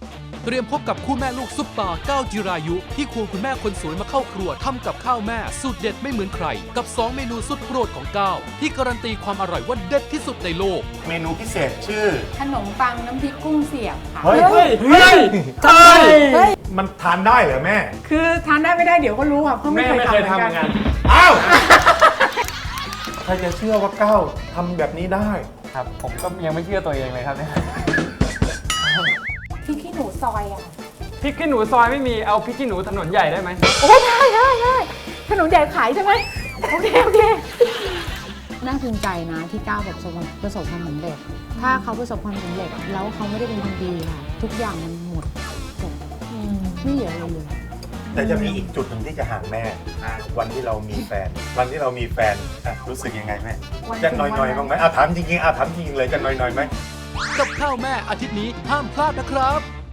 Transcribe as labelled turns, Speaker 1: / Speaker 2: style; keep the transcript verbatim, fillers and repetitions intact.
Speaker 1: เตรียมพบกับคู่แม่ลูกซุปตาก้าวจิรายุที่ควงคุณแม่คนสวยมาเข้าครัวทำกับข้าวแม่สูตรเด็ดไม่เหมือนใครกับสองเมนูสุดโปรดของก้าวที่การันตีความอร่อยว่าเด็ดที่สุดในโลก
Speaker 2: เมนูพิเศษชื่อ
Speaker 3: ขนมปังน้ำพริกกุ้งเสียบค่ะ
Speaker 2: เฮ้ย
Speaker 4: เฮ้ยเฮ้ยใช่
Speaker 3: เฮ้ย
Speaker 2: มันทานได้เหรอแม่
Speaker 3: คือทานได้ไม่ได้เดี๋ยวก็รู้ค่ะเพราะไม่
Speaker 4: แม่
Speaker 3: เคย
Speaker 4: ไม่
Speaker 3: ทำ
Speaker 4: เคย
Speaker 3: เหมื
Speaker 4: ทำ
Speaker 3: อน
Speaker 4: เห
Speaker 3: กั
Speaker 4: มือน นกัน
Speaker 2: อ้าว ใครจะเชื่อว่าก้าวทำแบบนี้ได้
Speaker 4: ครับ ผมก็ยังไม่เชื่อตัวเองเลยครับเนี่ย
Speaker 3: พริกขี้หนูซอยอะค่ะ
Speaker 4: พริกขี้หนูซอยไม่มีเอาพริกขี้หนูถนนใหญ่ได้ไหม
Speaker 3: โอ้ได้ได้ได้ขนมใหญ่ขายใช่ไหมโอเคโอเคน่าภูมิใจนะที่ก้าวแบบประสบความประสบความสำเร็จ ถ้าเขาประสบความสำเร็จแล้วเขาไม่ได้เป็นคนดีค่ะ ทุกอย่างมันหมดจบไม่เหลืออะไรเลย
Speaker 2: แต่จะมีอีกจุดหนึ่งที่จะห่างแม่อ่ะวันที่เรามีแฟน วันที่เรามีแฟนอ่ะรู้สึกยังไงแม่
Speaker 3: วัน
Speaker 2: จะหน่อยๆบ้างไหมอ่ะถามจริงๆอ่ะถามจริงๆเลยจะหน่อยๆไหม
Speaker 1: กับข้าวแม่อาทิตย์นี้ห้ามพลาดนะครับ